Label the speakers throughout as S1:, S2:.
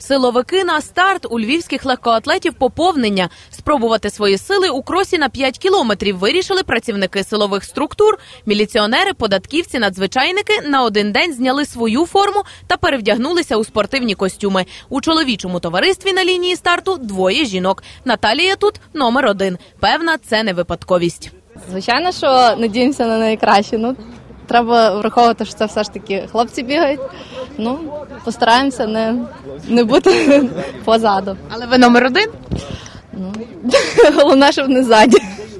S1: Силовики на старт. У львівських легкоатлетів поповнення. Спробувати свої сили у кросі на 5 кілометрів вирішили працівники силових структур. Міліціонери, податківці, надзвичайники на один день зняли свою форму та перевдягнулися у спортивні костюми. У чоловічому товаристві на лінії старту двоє жінок. Наталія тут номер 1. Певна, це не випадковість.
S2: Звичайно, що надіємося на найкраще. Треба враховувати, що це все ж таки хлопці бігають. Постараємося не бути позаду.
S1: Але ви номер 1?
S2: Головне, щоб не ззаді.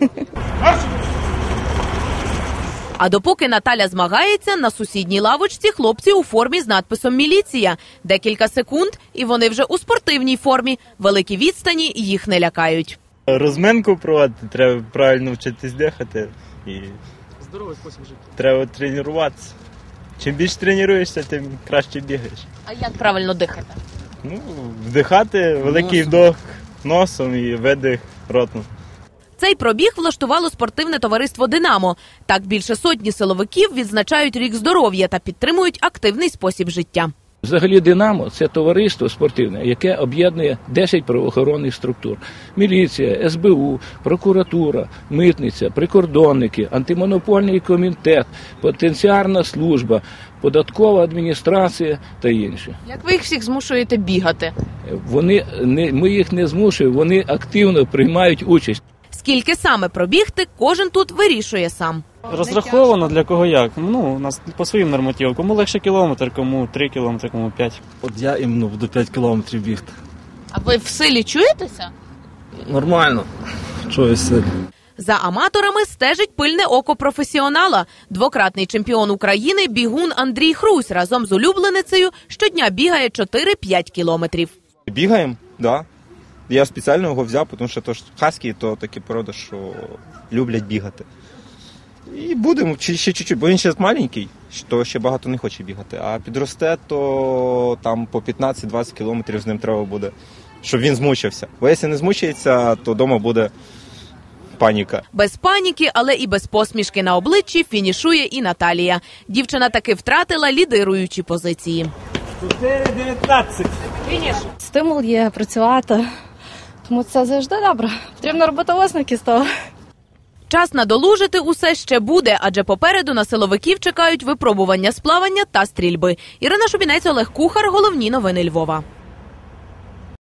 S1: А допоки Наталя змагається, на сусідній лавочці хлопці у формі з надписом «Міліція». Декілька секунд, і вони вже у спортивній формі. Великі відстані їх не лякають.
S3: Розминку проводити, треба правильно вчитись дихати. І
S4: здоровий спосіб життя.
S3: Треба тренуватися. Чим більше тренуєшся, тим краще бігаєш.
S1: А як правильно дихати?
S3: Вдихати, великий вдох носом і видих ротом.
S1: Цей пробіг влаштувало спортивне товариство «Динамо». Так більше сотні силовиків відзначають рік здоров'я та підтримують активний спосіб життя.
S5: Взагалі «Динамо» – це товариство спортивне, яке об'єднує 10 правоохоронних структур. Міліція, СБУ, прокуратура, митниця, прикордонники, антимонопольний комітет, пенітенціарна служба, податкова адміністрація та інші.
S1: Як ви їх всіх змушуєте бігати?
S5: Ми їх не змушуємо, вони активно приймають участь.
S1: Скільки саме пробігти, кожен тут вирішує сам.
S4: Розраховано для кого як. У нас по своїм нормативам. Кому легше кілометр, кому 3 кілометри, кому 5.
S6: От я іменно буду 5 кілометрів бігти.
S1: А ви в силі чуєтеся?
S6: Нормально. Чую силі.
S1: За аматорами стежить пильне око професіонала. Двократний чемпіон України бігун Андрій Хрусь разом з улюбленицею щодня бігає 4-5 кілометрів.
S7: Бігаємо, да. Я спеціально його взяв, тому що хаски – то такі породи, що люблять бігати. І будемо ще чуть-чуть, бо він ще маленький, то ще багато не хоче бігати. А підросте, то там по 15-20 кілометрів з ним треба буде, щоб він змучився. Бо якщо не змучається, то вдома буде паніка.
S1: Без паніки, але і без посмішки на обличчі фінішує і Наталія. Дівчина таки втратила лідируючі позиції.
S4: 4:19.
S1: Фініш.
S2: Стимул є працювати, тому це завжди добре. Потрібно робити висновки з того.
S1: Час надолужити усе ще буде, адже попереду на силовиків чекають випробування з плавання та стрільби. Ірина Шубінець, Олег Кухар. Головні новини Львова.